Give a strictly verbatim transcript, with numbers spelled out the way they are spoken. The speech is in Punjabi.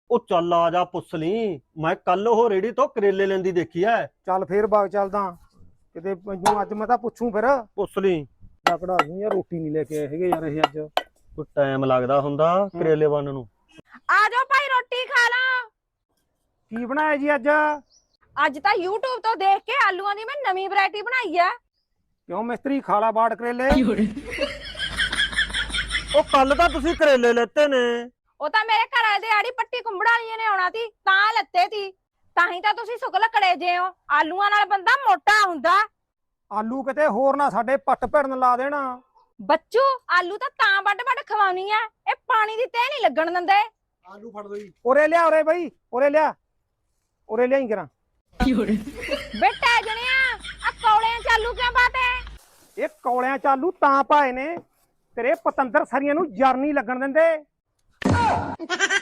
ਉਹ ਚੱਲ ਆ ਜਾ ਪੁੱਛ ਲਈ। ਮੈਂ ਕੱਲ ਉਹ ਰੇੜੀ ਤੋਂ ਕਰੇਲੇ ਲੈਂਦੀ ਦੇਖੀ ਐ। ਚੱਲ ਫੇਰ ਬਾਗ ਚੱਲਦਾ ਕਿਤੇ ਮੈਨੂੰ ਅੱਜ ਮੈਂ ਤਾਂ ਪੁੱਛੂ ਫਿਰ ਪੁੱਛ ਲਈ। ਤਕੜਾ ਦੂੰ ਯਾਰ ਰੋਟੀ ਨਹੀਂ ਲੈ ਕੇ ਆਏ ਹੈਗੇ ਯਾਰ ਇਹ ਅੱਜ ਕੋਈ ਟਾਈਮ ਲੱਗਦਾ ਹੁੰਦਾ ਕਰੇਲੇ ਬਣਨ ਨੂੰ। ਆ ਜਾਓ ਭਾਈ ਰੋਟੀ ਖਾ ਲਾ। ਕੀ ਬਣਾਇਆ ਜੀ ਅੱਜ? ਅੱਜ ਤਾਂ YouTube ਤੋਂ ਦੇਖ ਕੇ ਆਲੂਆਂ ਦੀ ਮੈਂ ਨਵੀਂ ਵੈਰਾਈਟੀ ਬਣਾਈ ਆ। ਕਿਉਂ ਮਿਸਤਰੀ ਖਾਲਾ ਬਾੜ ਕਰੇਲੇ? ਉਹ ਕੱਲ ਤਾਂ ਤੁਸੀਂ ਕਰੇਲੇ ਲੈਤੇ ਨੇ। ਉਹ ਤਾਂ ਮੇਰੇ ਘਰ ਵਾਲੇ ਦੇ ਆੜੀ ਪੱਟੀ ਕੁੰਬੜਾ ਵਾਲੀਆਂ ਨੇ ਆਉਣਾ ਸੀ ਤਾਂ ਲੱਤੇ ਸੀ। ਤਾਂ ਹੀ ਤਾਂ ਤੁਸੀਂ ਸੁੱਕ ਲੱਕੜੇ ਜੇ ਹੋ। ਆਲੂਆਂ ਨਾਲ ਬੰਦਾ ਮੋਟਾ ਹੁੰਦਾ। ਆਲੂ ਕਿਤੇ ਹੋਰ ਨਾ ਸਾਡੇ ਪੱਟ ਭਿੜਨ ਲਾ ਦੇਣਾ। ਬੱਚੂ ਆਲੂ ਤਾਂ ਤਾਂ ਵੱਡ ਵੱਡ ਖਵਾਉਣੀ ਆ। ਇਹ ਪਾਣੀ ਦੀ ਤਹਿ ਨਹੀਂ ਲੱਗਣ ਦਿੰਦੇ। ਆਲੂ ਫੜ ਦੋ ਜੀ। ਉਰੇ ਲਿਆ ਉਰੇ ਬਈ ਉਰੇ ਲਿਆ ਉਰੇ ਲਿਆਈ ਕਰਾਂ। ਬੇਟਾ ਜਣਿਆ ਆ ਕੌਲਿਆਂ ਚ ਆਲੂ ਕਿਉਂ ਪਾਤੇ? ਇਹ ਕੌਲਿਆਂ ਚ ਆਲੂ ਤਾਂ ਪਾਏ ਨੇ ਤੇਰੇ ਪਤੰਦਰ ਸਰੀਆਂ ਨੂੰ ਜਰ ਨਹੀਂ ਲੱਗਣ ਦਿੰਦੇ।